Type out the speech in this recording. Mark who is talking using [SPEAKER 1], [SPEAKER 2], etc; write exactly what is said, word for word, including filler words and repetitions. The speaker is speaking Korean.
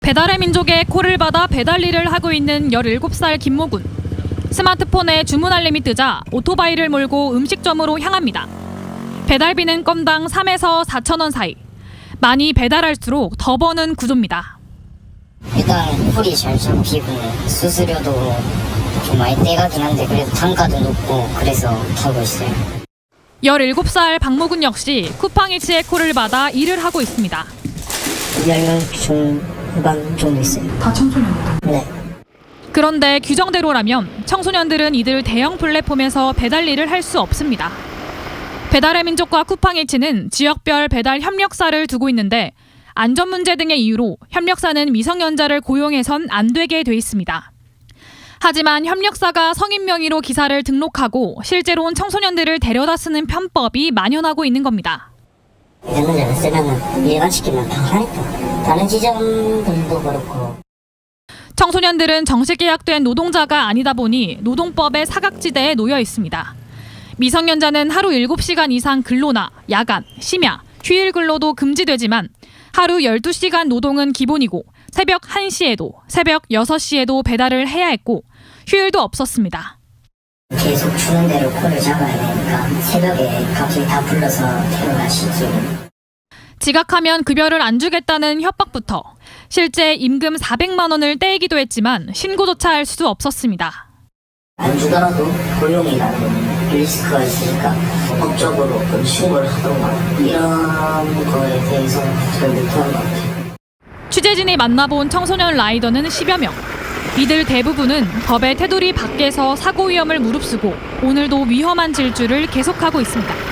[SPEAKER 1] 배달의 민족의 콜을 받아 배달 일을 하고 있는 열일곱 살 김모군. 스마트폰에 주문 알림이 뜨자 오토바이를 몰고 음식점으로 향합니다. 배달비는 건당 삼에서 사천 원 사이. 많이 배달할수록 더 버는 구조입니다.
[SPEAKER 2] 일단 콜이 잘 잡히고 수수료도 좀 많이 떼가긴 한데 그래도 단가도 높고 그래서 타고 있어요.
[SPEAKER 1] 열일곱 살 박모군 역시 쿠팡이츠의 콜을 받아 일을 하고 있습니다.
[SPEAKER 2] 열 명 중반 정도 있어요.
[SPEAKER 1] 다 청소년들?
[SPEAKER 2] 네.
[SPEAKER 1] 그런데 규정대로라면 청소년들은 이들 대형 플랫폼에서 배달 일을 할 수 없습니다. 배달의 민족과 쿠팡이츠는 지역별 배달 협력사를 두고 있는데 안전 문제 등의 이유로 협력사는 미성년자를 고용해선 안 되게 돼 있습니다. 하지만 협력사가 성인 명의로 기사를 등록하고 실제로는 청소년들을 데려다 쓰는 편법이 만연하고 있는 겁니다.
[SPEAKER 2] 미성년자를 쓰면 일반시키면 당하니까 다른 지점들도 그렇고.
[SPEAKER 1] 청소년들은 정식 계약된 노동자가 아니다 보니 노동법의 사각지대에 놓여 있습니다. 미성년자는 하루 일곱 시간 이상 근로나 야간, 심야, 휴일 근로도 금지되지만 하루 열두 시간 노동은 기본이고 새벽 한 시에도 새벽 여섯 시에도 배달을 해야 했고 휴일도 없었습니다.
[SPEAKER 2] 계속 주는 대로 콜을 잡아야 되니까 새벽에 갑자기 다 불러서 데려가시지. 지각하면
[SPEAKER 1] 급여를 안 주겠다는 협박부터 실제 임금 사백만 원을 떼이기도 했지만 신고조차 할 수 없었습니다.
[SPEAKER 2] 안 주더라도 고용이라는 리스크가 있으니까 법적으로 어떤 신고를 하던가 이런 거에 대해서 잘 못하는 것 같아요.
[SPEAKER 1] 취재진이 만나본 청소년 라이더는 십여 명. 이들 대부분은 법의 테두리 밖에서 사고 위험을 무릅쓰고 오늘도 위험한 질주를 계속하고 있습니다.